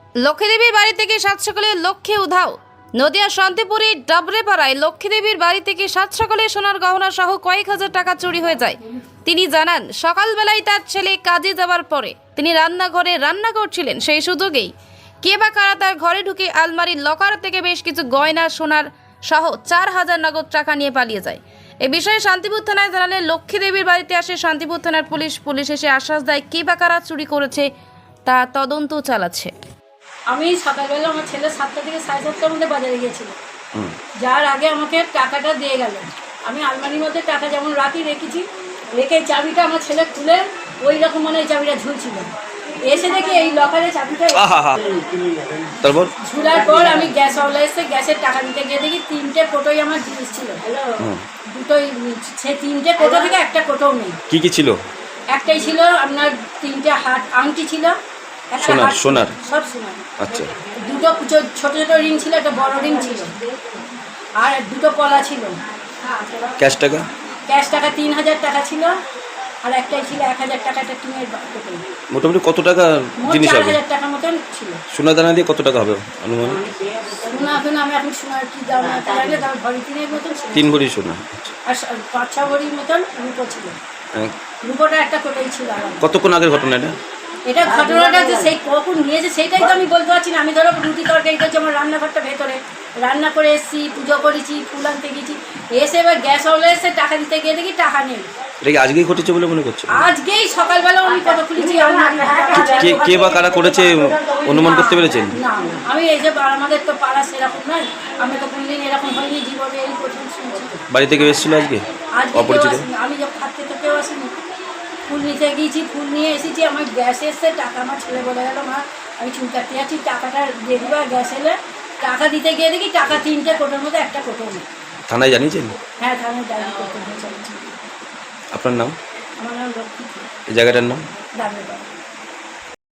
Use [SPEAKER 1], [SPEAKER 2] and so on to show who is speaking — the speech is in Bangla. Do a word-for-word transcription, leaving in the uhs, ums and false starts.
[SPEAKER 1] লক্ষ্মীদেবীর বাড়ি থেকে সাত সকালে লক্ষ্মী উধাও। নদিয়া শান্তিপুরের ডাবরেপাড়ায় লক্ষ্মীদেবীর বাড়ি থেকে সাত সকালে সোনার গহনা সহ কয়েক হাজার টাকা চুরি হয়ে যায়। তিনি জানান, সকালবেলায় তার ছেলে কাজে যাওয়ার পরে তিনি রান্নাঘরে রান্না করছিলেন। সেই সুযোগেই কে বা কারা তার ঘরে ঢুকে আলমারির লকার থেকে বেশ কিছু গয়না সোনার সহ চার হাজার নগদ টাকা নিয়ে পালিয়ে যায়। এ বিষয়ে শান্তিপুর থানায় জানালে লক্ষ্মীদেবীর বাড়িতে আসে শান্তিপুর থানার পুলিশ। পুলিশ এসে আশ্বাস দেয় কে বা কারা চুরি করেছে তা তদন্ত চালাচ্ছে।
[SPEAKER 2] আমি সকালবেলা আমার ছেলে সাতটা থেকে সাড়ে সাতটার মধ্যে বাজারে গিয়েছিল, যার আগে আমাকে টাকাটা দিয়ে গেল। আমি আলমারির মধ্যে টাকা যেমন রাখি রেখেছি, রেখে চাবিটা আমার ছেলে খুলে ওই রকম মানে এই চাবিটা ঝুলছিল। এসে দেখি এই লকারে চাবিটা
[SPEAKER 3] তারপর
[SPEAKER 2] ঝুলার পর আমি গ্যাস ওয়ালা এসে গ্যাসের টাকা দিতে গিয়ে দেখি তিনটে কোটোই আমার জিনিস ছিল। দুটোই সে তিনটে কোটো থেকে একটা কোটোও নেই।
[SPEAKER 3] কি কি ছিল?
[SPEAKER 2] একটাই ছিল আপনার তিনটে হাত আংটি ছিল,
[SPEAKER 3] সোনার সোনার
[SPEAKER 2] সব সোনার।
[SPEAKER 3] আচ্ছা,
[SPEAKER 2] দুটো ছোট ছোট রিং ছিল, একটা বড় রিং ছিল, আর দুটো পলা ছিল।
[SPEAKER 3] ক্যাশ টাকা
[SPEAKER 2] ক্যাশ টাকা তিন হাজার টাকা ছিল, আর একটাই ছিল এক হাজার টাকা একটা টিনের টোকেন।
[SPEAKER 3] মোটামুটি কত টাকা জিনিস
[SPEAKER 2] চার
[SPEAKER 3] হবে?
[SPEAKER 2] হাজার টাকার মতন ছিল।
[SPEAKER 3] সোনা দানা দিয়ে কত টাকা হবে অনুমান?
[SPEAKER 2] সোনা এখন আমি এখন সোনার কি দাম না জানি, দাম ভরি তিনের মতন ছিল।
[SPEAKER 3] তিন ভরি সোনা।
[SPEAKER 2] আর পাঁচ ছ ভরির মতন রূপো ছিল।
[SPEAKER 3] হ্যাঁ।
[SPEAKER 2] রূপোটা একটা কোটোই ছিল। আর
[SPEAKER 3] কতক্ষণ আগের ঘটনা এটা?
[SPEAKER 2] এটা ঘটনাটা যে সেই কখন নিয়েছে সেটাই তো আমি বলতে পারছি না। আমি ধরো রুটি তরকারি করছি, আমার রান্নাঘরটা ভেতরে রান্না করে এসেছি, পুজো করেছি, ফুল আনতে গেছি, এসে এবার গ্যাস ওয়ালা এসে টাকা দিতে গিয়ে দেখি টাকা নেই।
[SPEAKER 3] এটা কি আজকেই ঘটেছে বলে মনে করছো?
[SPEAKER 2] আজকেই সকালবেলা আমি কত খুলেছি আলমারি।
[SPEAKER 3] কে কে বা কারা করেছে অনুমান করতে পেরেছেন?
[SPEAKER 2] না, আমি এই যে আমাদের তো পাড়া সেরকম নয়, আমি তো কোনদিন এরকম হয়নি জীবনে, এই প্রথম শুনছি।
[SPEAKER 3] বাড়ি থেকে এসেছিল আজকে
[SPEAKER 2] আজকে
[SPEAKER 3] অপরিচিত?
[SPEAKER 2] আমি যখন থাকতে তো কেউ আসেনি। ফুল নিতে গিয়েছি, ফুল নিয়ে এসেছি, আমার গ্যাস এসছে, টাকা আমার ছেলে বলে গেল মা আমি চুল কাটতে যাচ্ছি, টাকাটা দিয়ে দিবা। গ্যাস এলে টাকা দিতে গিয়ে দেখি টাকা তিনটে কোটোর মধ্যে একটা কোটো নেই।
[SPEAKER 3] থানায় জানিয়েছেন?
[SPEAKER 2] হ্যাঁ, থানায় ডায়েরি করতে হয়েছে।
[SPEAKER 3] আপনার নাম?
[SPEAKER 2] আমার নাম লক্ষ্মী।
[SPEAKER 3] এই জায়গাটার নাম?
[SPEAKER 2] ডাবরেপাড়া।